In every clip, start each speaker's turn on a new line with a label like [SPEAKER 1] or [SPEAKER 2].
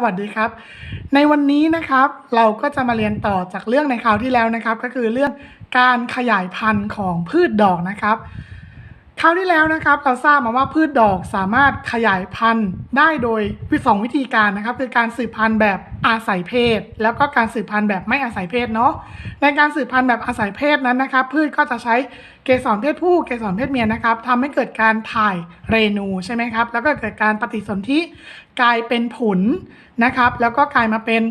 [SPEAKER 1] วัสดีครับในวันนี้นะครับเราก็จะมาเรียนต่อจากเรื่องในคราวที่แล้วนะครับก็คือเรื่องการขยายพันธุ์ของพืชดอกนะครับคราวที่แล้วนะครับเราทราบมาว่าพืชดอกสามารถขยายพันธุ์ได้โดย2 วิธีการนะครับคือการสืบพันธุ์แบบอาศัยเพศแล้วก็การสืบพันธุ์แบบไม่อาศัยเพศเนาะในการสืบพันธุ์แบบอาศัยเพศนั้นนะครับพืชก็จะใช้เกสรเพศผู้เกสรเพศเมียนะครับทำให้เกิดการถ่ายเรนูใช่ไหมครับแล้วก็เกิดการปฏิสนธิกลายเป็นผลนะครับแล้วก็กลายมาเป็น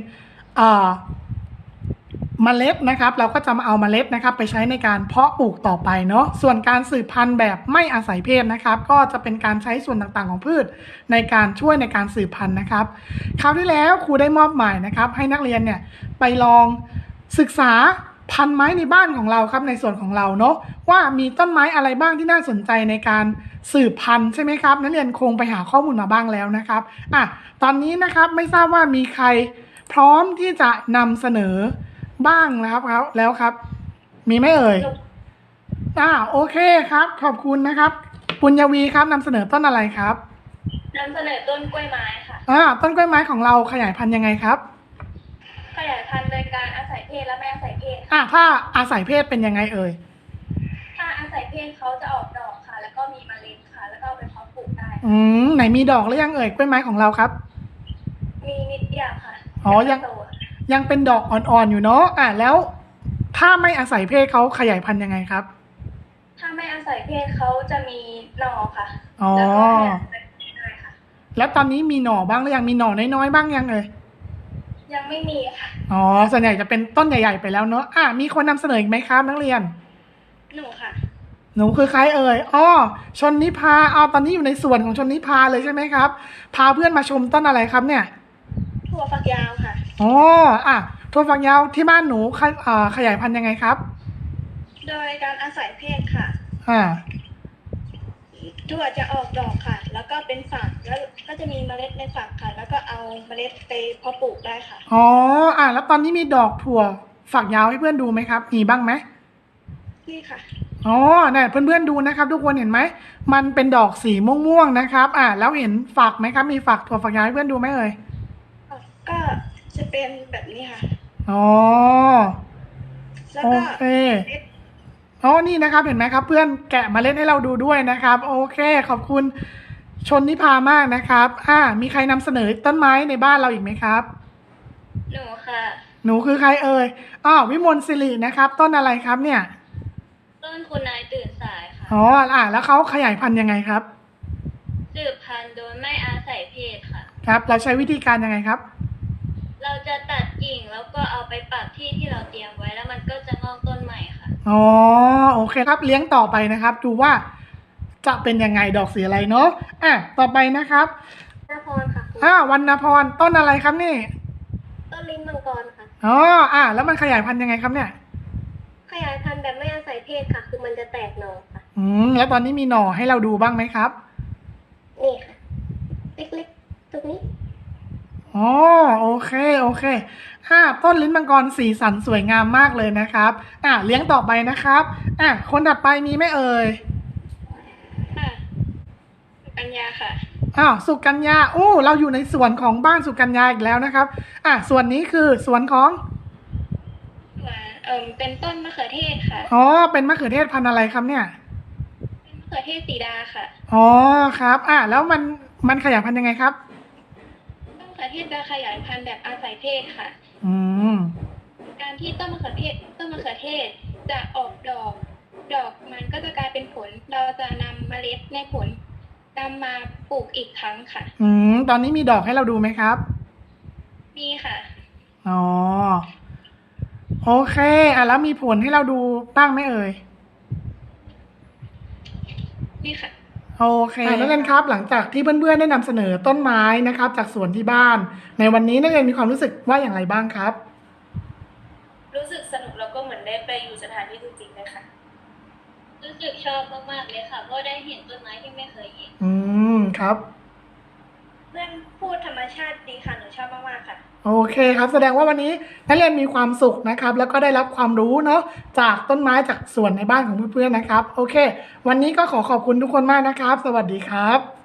[SPEAKER 1] เมล็ดนะครับเราก็จะมาเอาเมล็ดนะครับไปใช้ในการเพาะปลูกต่อไปเนาะส่วนการสืบพันธุ์แบบไม่อาศัยเพศนะครับก็จะเป็นการใช้ส่วนต่างๆของพืชในการช่วยในการสืบพันธุ์นะครับคราวที่แล้วครูได้มอบหมายนะครับให้นักเรียนเนี่ยไปลองศึกษาพันธุ์ไม้ในบ้านของเราครับในส่วนของเราเนาะว่ามีต้นไม้อะไรบ้างที่น่าสนใจในการสืบพันธุ์ใช่ไหมครับนักเรียนคงไปหาข้อมูลมาบ้างแล้วนะครับตอนนี้นะครับไม่ทราบว่ามีใครพร้อมที่จะนำเสนอบ้างนะครับแล้วครับมีไหมเอ่ยโอเคครับขอบคุณนะครับปุญญวีครับนำเสนอต้นอะไรครับ
[SPEAKER 2] นำเสนอต้นกล้วยไม้ค่ะ
[SPEAKER 1] ต้นกล้วยไม้ของเราขยายพันธุ์ยังไงครับ
[SPEAKER 2] ขยายพันธุ์โดยการอาศัยเพศและไม่อาศัยเพศ
[SPEAKER 1] ถ้าอาศัยเพศเป็นยังไงเอ่ย
[SPEAKER 2] ถ้าอาศัยเพศเขาจะออกดอกค่ะแล้วก็มีเมล็ดค่ะแล้วก็เอาไปเพาะปลูกได้
[SPEAKER 1] ไหนมีดอกหรือยังเอ่ยกล้วยไม้ของเราครับ
[SPEAKER 2] มีนิดเดียวค่ะ
[SPEAKER 1] ยังเป็นดอกอ่อนๆอยู่เนาะแล้วถ้าไม่อาศัยเพศเขาขยายพันธุ์ยังไงครับ
[SPEAKER 2] ถ้าไม่อาศัยเพศเขาจะมีหน่อค่ะ
[SPEAKER 1] แล้วก็ด้วยค่ะแล้วตอนนี้มีหน่อบ้างหรือยังมีหน่อน้อยๆบ้างยังเอ่ย
[SPEAKER 2] ยังไม่มีค่ะ
[SPEAKER 1] ส่วนใหญ่จะเป็นต้นใหญ่ๆไปแล้วเนาะมีคนนำเสนออีกไหมครับนักเรียน
[SPEAKER 2] หนูค่ะ
[SPEAKER 1] หนูคือใครเอ่ยชนนิพาตอนนี้อยู่ในส่วนของชนนิพาเลยใช่ไหมครับพาเพื่อนมาชมต้นอะไรครับเนี่ย
[SPEAKER 2] ถั่วฝักยาวค่ะ
[SPEAKER 1] ถั่วฝักยาวที่บ้านหนูขยายพันธุ์ยังไงครับ
[SPEAKER 2] โดยการอาศัยเพศค่ะถั่วจะออกดอกค่ะแล้วก็เป็นฝักแล้วก็จะมีเมล็ดในฝักค่ะแล้วก็เอาเมล็ดไปเพาะปลูกได้ค่ะ
[SPEAKER 1] แล้วตอนนี้มีดอกถั่วฝักยาวให้เพื่อนดูไหมครับมีบ้างไหม
[SPEAKER 2] นี่ค่ะ
[SPEAKER 1] เนี่ยเพื่อนๆดูนะครับทุกคนเห็นไหมมันเป็นดอกสีม่วงๆนะครับแล้วเห็นฝักไหมครับมีฝักถั่วฝักยาวให้เพื่อนดูไหมเอ่ย
[SPEAKER 2] ก็จะเป็นแบบนี้ค่ะ
[SPEAKER 1] โอเคนี่นะครับเห็นไหมครับเพื่อนแกะเมล็ดให้เราดูด้วยนะครับโอเคขอบคุณชนนิพามากนะครับมีใครนำเสนอต้นไม้ในบ้านเราอีกไหมครับ
[SPEAKER 2] หนูค่ะ
[SPEAKER 1] หนูคือใครเอ่ยวิมลศิรินะครับต้นอะไรครับเนี่ย
[SPEAKER 2] ต้นคุณนายตื่นสายค่ะ
[SPEAKER 1] แล้วเขาขยายพันธุ์ยังไงครับ
[SPEAKER 2] สืบพันธุ์โดยไม่อาศัยเพศค่ะ
[SPEAKER 1] ครับเราใช้วิธีการยังไงครับ
[SPEAKER 2] เราจะตัดกิ่งแล้วก็เอาไปปักที่เราเตรียมไว้แล้วมันก็จะงอกต้นใหม่ค่ะ
[SPEAKER 1] โอเคครับเลี้ยงต่อไปนะครับดูว่าจะเป็นยังไงดอกสีอะไรเนาะต่อไปนะครับ
[SPEAKER 2] วรรณพรค่ะ
[SPEAKER 1] วรรณพรต้นอะไรครับนี่
[SPEAKER 2] ต้นลิ้นมังกรค่ะ
[SPEAKER 1] แล้วมันขยายพันธุ์ยังไงครับเนี่ย
[SPEAKER 2] ขยายพันธุ์แบบไม่อาศัยเพศค่ะคือมันจะแตกหน่อค่ะ
[SPEAKER 1] แล้วตอนนี้มีหน่อให้เราดูบ้างไหมครับ
[SPEAKER 2] นี่ค่ะเล็กๆตรงนี้
[SPEAKER 1] โอเคต้นลิ้นมังกรสีสันสวยงามมากเลยนะครับเลี้ยงต่อไปนะครับคนถัดไปมีไหมเอ่ย
[SPEAKER 2] สุกัญญาค่ะ
[SPEAKER 1] สุกัญญาเราอยู่ในสวนของบ้านสุกัญญาอีกแล้วนะครับส่วนนี้คือสวนของ
[SPEAKER 2] เป็นต้นมะเขือเทศค่ะ
[SPEAKER 1] เป็นมะเขือเทศพันธุ์อะไรครับเนี่ย
[SPEAKER 2] เป็นมะเขือเทศสีดาค่ะ
[SPEAKER 1] ครับแล้วมันขยายพันธุ์ยังไงครับ
[SPEAKER 2] ต้นมะเขือเทศจะขยายพันธุ์แบบอาศัยเพศค่ะการที่ต้นมะเขือเทศจะออกดอกมันก็จะกลายเป็นผลเราจะนำเมล็ดในผลนำมาปลูกอีกครั้งค่ะ
[SPEAKER 1] ตอนนี้มีดอกให้เราดูไหมครับ
[SPEAKER 2] มีค่ะ
[SPEAKER 1] โอเคแล้วมีผลให้เราดูบ้างไหมเอ่ย
[SPEAKER 2] นี่ค่ะ
[SPEAKER 1] โอเคนักเรียนครับหลังจากที่เพื่อนๆได้นำเสนอต้นไม้นะครับจากสวนที่บ้านในวันนี้นักเรียนมีความรู้สึกว่าอย่างไรบ้างครับ
[SPEAKER 2] รู้สึกสนุกแล้วก็เหมือนได้ไปอยู่สถานที่จริงๆเลยค่ะรู้สึกชอบมากๆเลยค่ะเพราะได้เห็นต้นไม้ที่ไม่เคยเห็น
[SPEAKER 1] ครับ
[SPEAKER 2] เรื่องพูดธรรมชาติดีค่ะหนูชอบมากๆค่ะ
[SPEAKER 1] โอเคครับแสดงว่าวันนี้นักเรียนมีความสุขนะครับแล้วก็ได้รับความรู้เนาะจากต้นไม้จากสวนในบ้านของเพื่อนๆนะครับโอเควันนี้ก็ขอบคุณทุกคนมากนะครับสวัสดีครับ